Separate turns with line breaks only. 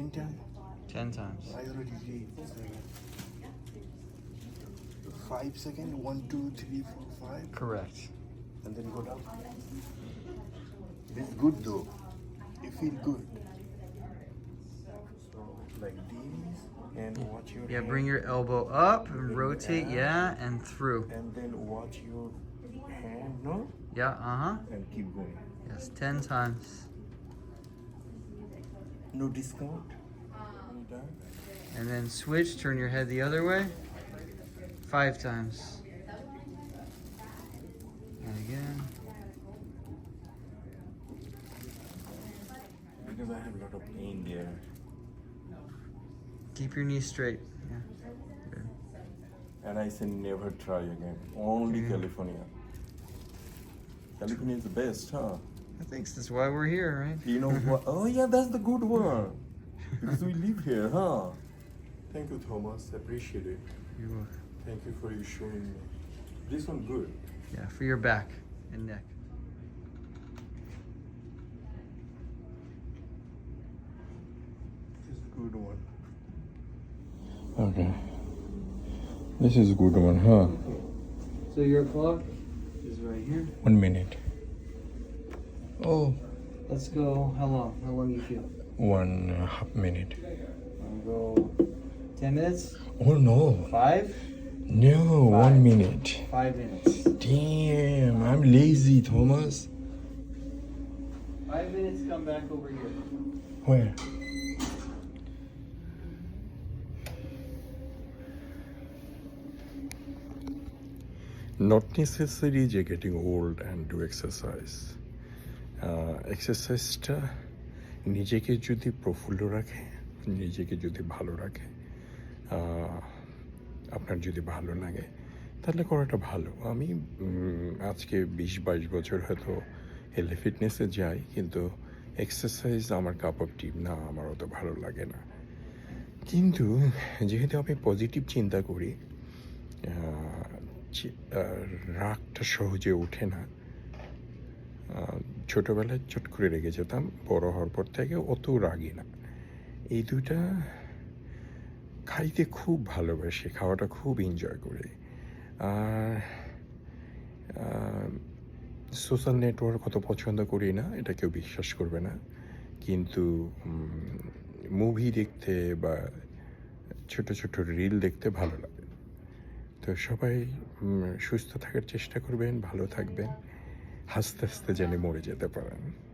10 times?
10 times.
I already did. 5 seconds. 1, 2, 3, 4, 5.
Correct.
And then go down. This is good though. You feel good. So like this, and watch your
Yeah,
hand.
bring your elbow up and
Bring your
rotate,
arm.
yeah, and through.
And then watch your hand, no?
Yeah, uh-huh.
And keep going.
Yes, 10 times.
No discount. Done.
And then switch, turn your head the other way. 5 times. And again.
Because I have a lot of pain there.
Keep your knees straight. Yeah. Good.
And I say never try again. Only
Yeah.
California. California is the best, huh?
I think that's why we're here, right?
You know what? Oh yeah, that's the good one. Because we live here, huh? Thank you, Thomas. Appreciate it.
You're welcome.
Thank you for you showing me. This one good.
Yeah, for your back and neck.
This is a good one. Okay. This is a good one, huh?
So your clock is right here.
1 minute. Oh.
Let's go. How long? How long you feel?
1.5 minute.
I'll go 10 minutes?
Oh no.
5?
No, 1 minute.
5 minutes.
Damn, I'm lazy, Thomas.
5 minutes, come back over here.
Where? Not necessary যে getting old and do exercise. এক্সারসাইজটা নিজেকে যদি প্রফুল্ল রাখে, নিজেকে যদি ভালো রাখে, আপনার যদি ভালো লাগে তাহলে করাটা ভালো। আমি আজকে 20-22 বছর হয়তো হেলথ ফিটনেসে যাই, কিন্তু এক্সারসাইজ আমার কাপ অফ টি না, আমার অত ভালো লাগে না। কিন্তু যেহেতু আমি পজিটিভ চিন্তা করি, রাগটা সহজে ওঠে না। ছোটোবেলায় চট করে রেগে যেতাম, বড় হওয়ার পর থেকে অত রাগি না। এই দুটা খাইতে খুব ভালোবাসি, খাওয়াটা খুব এনজয় করি। আর সোশ্যাল নেটওয়ার্ক অত পছন্দ করি না, এটা কেউ বিশ্বাস করবে না, কিন্তু মুভি দেখতে বা ছোট ছোট রিল দেখতে ভালো লাগে। তো সবাই সুস্থ থাকার চেষ্টা করবেন, ভালো থাকবেন, হাসতে হাসতে যেন মরে যেতে পারেন।